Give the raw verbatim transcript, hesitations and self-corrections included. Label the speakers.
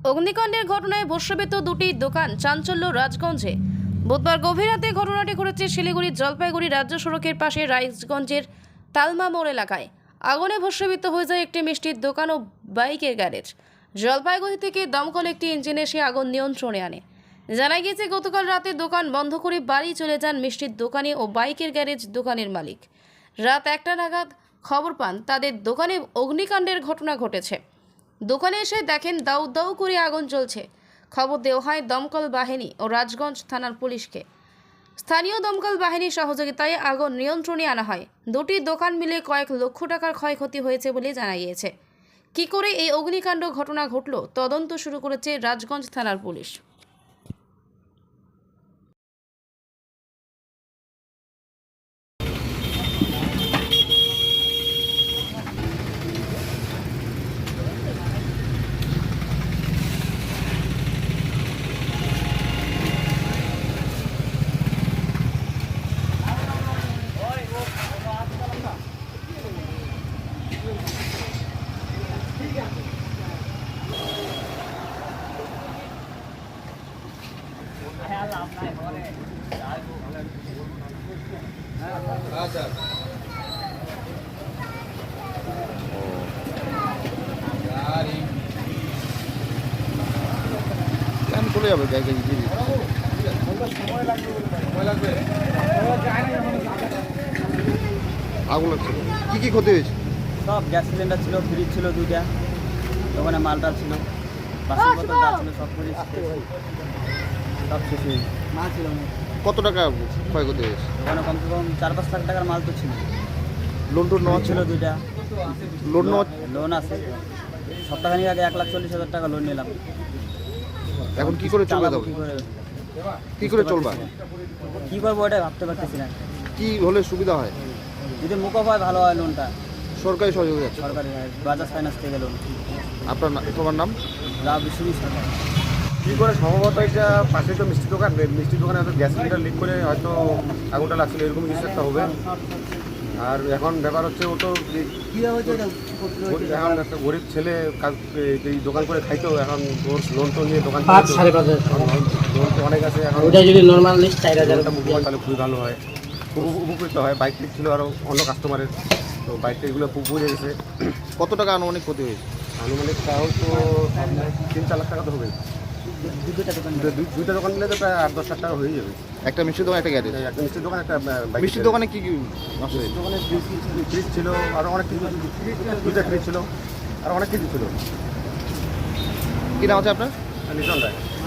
Speaker 1: অগ্নিকাণ্ডের ঘটনায় ভস্মীভূত দুটি দোকান, চাঞ্চল্য রাজগঞ্জে। বুধবার গভীর রাতে ঘটনাটি ঘটেছে শিলিগুড়ির জলপাইগুড়ি রাজ্য সড়কের পাশে রাইজগঞ্জের তালমা মোড় এলাকায়। আগুনে ভস্মীভূত হয়ে যায় একটি মিষ্টির দোকান ও বাইকের গ্যারেজ। জলপাইগুড়ি থেকে দমকল একটি ইঞ্জিন এসে আগুন নিয়ন্ত্রণে আনে। জানা গিয়েছে, গতকাল রাতে দোকান বন্ধ করে বাড়ি চলে যান মিষ্টির দোকানি ও বাইকের গ্যারেজ দোকানের মালিক। রাত একটা নাগাদ খবর পান তাদের দোকানে অগ্নিকাণ্ডের ঘটনা ঘটেছে। দোকানে এসে দেখেন দাউ দাউ করে আগুন জ্বলছে। খবর দেওয়া হয় দমকল বাহিনী ও রাজগঞ্জ থানার পুলিশকে। স্থানীয় দমকল বাহিনীর সহযোগিতায় আগুন নিয়ন্ত্রণে আনা হয়। দুটি দোকান মিলে কয়েক লক্ষ টাকার ক্ষয়ক্ষতি হয়েছে বলে জানা গিয়েছে। কী করে এই অগ্নিকাণ্ড ঘটনা ঘটল, তদন্ত শুরু করেছে রাজগঞ্জ থানার পুলিশ।
Speaker 2: চলে যাবে ব্যাগে আগুন লাগছে। কি কি ক্ষতি হয়েছে?
Speaker 3: সব গ্যাস সিলিন্ডার ছিল, ফ্রিজ ছিল দুইটা, দোকানে মালটা ছিল, বাসন বোতল যা ছিল সব ফ্রিজ সব শেষ হয়ে মাল ছিল।
Speaker 2: কত টাকা ক্ষয়ক্ষতি হয়েছে?
Speaker 3: দোকানে কমসে কম চার পাঁচ লাখ টাকার মাল তো ছিল।
Speaker 2: লোন টোন নেওয়া
Speaker 3: ছিল দুইটা,
Speaker 2: লোন নেওয়া
Speaker 3: লোন আছে। সপ্তাহখানিক আগে এক লাখ চল্লিশ হাজার টাকা লোন নিলাম।
Speaker 2: এখন কি করে চলবে?
Speaker 3: চালাবো কি করে,
Speaker 2: কি করে চলবা?
Speaker 3: কী করবো ওটাই ভাবতে পারতেছি না।
Speaker 2: কি হলে সুবিধা হয়?
Speaker 3: যদি মুখো হয় ভালো হয় লোনটা,
Speaker 2: সরকারি সহযোগিতা আছে?
Speaker 3: সরকারি হয়, বাজাজ ফাইন্যান্স থেকে লোন।
Speaker 2: আপনার না- তোমার নাম?
Speaker 3: লাভ বিশ্বজিৎ সরকার।
Speaker 4: কী করে সম্ভবত এটা পাশে তো মিষ্টি দোকান, মিষ্টির দোকানে হয়তো গ্যাস সিলিন্ডার লিক করে হয়তো আগুনটা লাগছিল, এরকম কিছু একটা হবে। আর এখন ব্যাপার হচ্ছে ও তো গরিব- এখন একটা গরিব ছেলে কাজ এই দোকান করে খাইতো, এখন ওর লোন টোন নিয়ে দোকান
Speaker 3: পাঁচ
Speaker 4: চালাতো।
Speaker 3: সাড়ে পাঁচ হাজার
Speaker 4: এখন লোন তো অনেক আছে, এখন
Speaker 3: ওটা যদি নর্মাল লিস্ট চার হাজার
Speaker 4: লোনটা মুখ হয় তাহলে খুবই ভালো হয়, খুব উপ- উপকৃত হয়। বাইক ঠিক ছিল আরও অন্য কাস্টমারের, তো বাইকটা এগুলো পুড়ে গেছে।
Speaker 2: কত টাকা আনুমানিক ক্ষতি হয়েছে?
Speaker 4: আনুমানিক তাও তো তিন চার লাখ টাকা তো হবে।
Speaker 3: দুটো দোকান
Speaker 4: দুই- দুইটা দোকান মিলে তো প্রায় আট দশ লাখ টাকা হয়ে যাবে।
Speaker 2: একটা মিষ্টির দোকান, একটা গ্যারেজ।
Speaker 4: এই একটা মিষ্টির দোকান, একটা বাইক।
Speaker 2: মিষ্টির দোকানে কি কি নষ্ট হয়েছে?
Speaker 4: দোকানে ফ্রিজ ছিল, আরও অনেক কিছু, দুইটা ফ্রিজ ছিল, আর অনেক কিছু ছিল।
Speaker 2: কি নাম আছে আপনার?
Speaker 4: লিটন রায়।